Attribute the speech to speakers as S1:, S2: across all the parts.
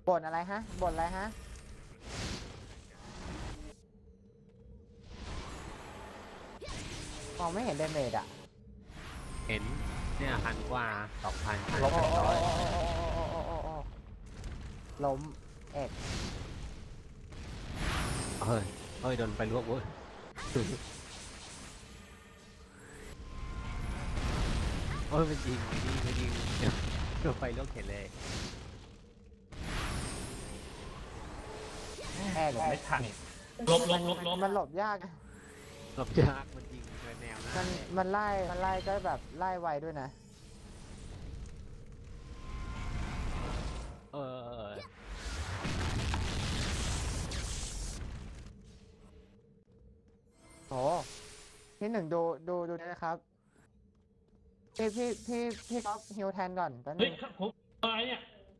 S1: บ่นอะไรฮะบ่นอะไรฮะมองไม่เห็นเดเมจอะ
S2: เห็นเนี่ย1,000 กว่า 2,000
S1: ล้มล้มเอ็ด
S2: เฮ้ยโดนไปลวกเว้ยโอ้ยมันยิงโดนไปลวกเห็นเลย
S1: แอ็ด
S3: ไม่ทันลบ
S1: มันหลบยาก
S2: หลบยากมันยิงแนวหน้า
S1: มันไล่ก็แบบไล่ไวด้วยนะ
S2: เออ
S1: โอ้ที่หนึ่งดูนะครับพี่ก๊อฟฮิวแทนก่อนแป๊บนึ
S3: เฮ้ย
S1: ง
S3: ผมอะไรเนี่ย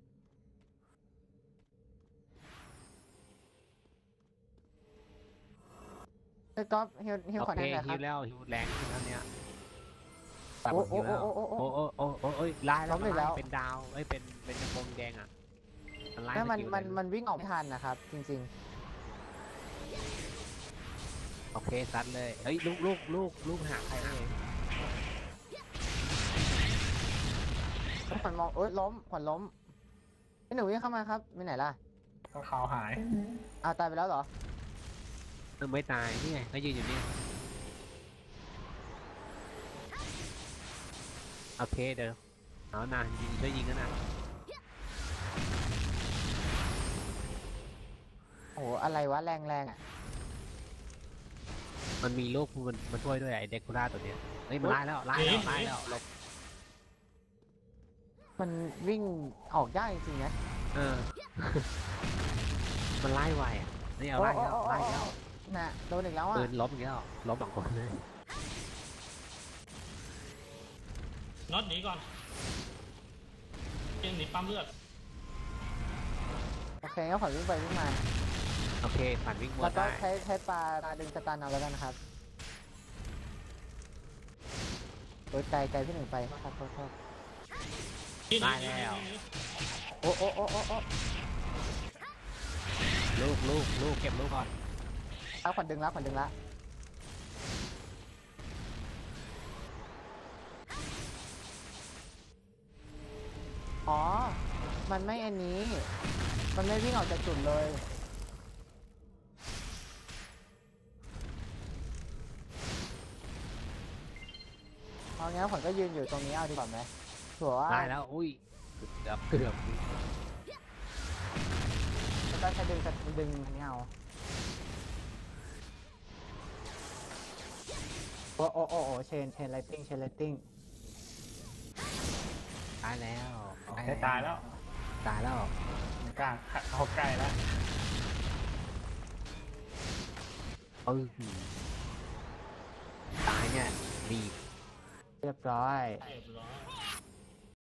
S1: พี่ก๊อฟฮิว
S2: โอ
S1: ขอ
S2: เค
S1: แทนหน่อยค
S2: ฮิ
S1: รับ
S2: วแล้วฮิวแรงขึ้นแล้วเนี่ยตัด
S1: โอ้
S2: ฮิวแล้ว
S1: โอ้
S2: โอ้ยไล่แล้ว
S1: ล้มอีกแล้ว
S2: เป็นดาวเป็นกระโปรงแดงอ่ะมันไล่
S1: แล้วมัน
S2: สกิล
S1: มัน
S2: เลย
S1: มันวิ่งออกไม่ทันนะครับจริง
S2: โอเคซัดเลยเฮ้ยลูกหาใครเอง
S1: ๆแล้วขวัญมองล้มขวัญล้มพี่หนึ่งวิ่งเข้ามาครับไปไหนล่ะ
S3: ก็ขาวหาย
S1: อ้าวตายไปแล้วเหรอ
S2: ไม่ตายนี่ไงเขายืนอยู่นี่โอเคเดี๋ยวเอานะยิงช่วยยิงกันนะ
S1: โอ้โหอะไรวะแรงอ่ะ
S2: มันมีลูกมันมาช่วยด้วยไอ้เด็กคูล่าตัวเนี้ยเฮ้ยมันไล่แล้วหลบ
S1: มันวิ่งออกยากจริงๆนะ
S2: เออ มันไล่ไวอ่ะนี่เอาไล่แล้ว
S1: น่ะโดนอีกแล้วอ่ะ
S2: ปืนล้มอีกแล้วล้ม2 คนเลย
S3: น็อตหนีก่อนเกมหนีปั๊มเลือด
S1: โอเคงั้นขวัญวิ่งไปวิ่งมา
S2: โอเคผ่านวิ่งบ
S1: แล้
S2: น
S1: วก็
S2: ได้
S1: ใช้ปลาดึงสตาร์นเอาแล้วกันนะครับโอ้ยไกลพี่หนึ่งไปครับโทษ
S2: ได้แล้ว
S1: โอ้
S2: ลูกเก็บลูกก่อน
S1: เอาขวัญดึงละอ๋อมันไม่อันนี้ มันไม่วิ่งออกจากจุดเลยเอางั้นขวัญก็ยืนอยู่ตรงนี้เอาดีกว่าไหมถือว่า
S2: ได้แล้วอุ้ยเกือบ
S1: แล้วก็ใช้ดึงอันนี้เอาโอ้เชนไลติ้ง
S2: ตายแล้ว
S3: ได้ตายแล้ว
S2: ตายแล้ว
S3: กลางเขาใกล้แล้ว
S2: ตายเนี่ยดี
S1: เรียบร้อย
S3: เรียบร้อย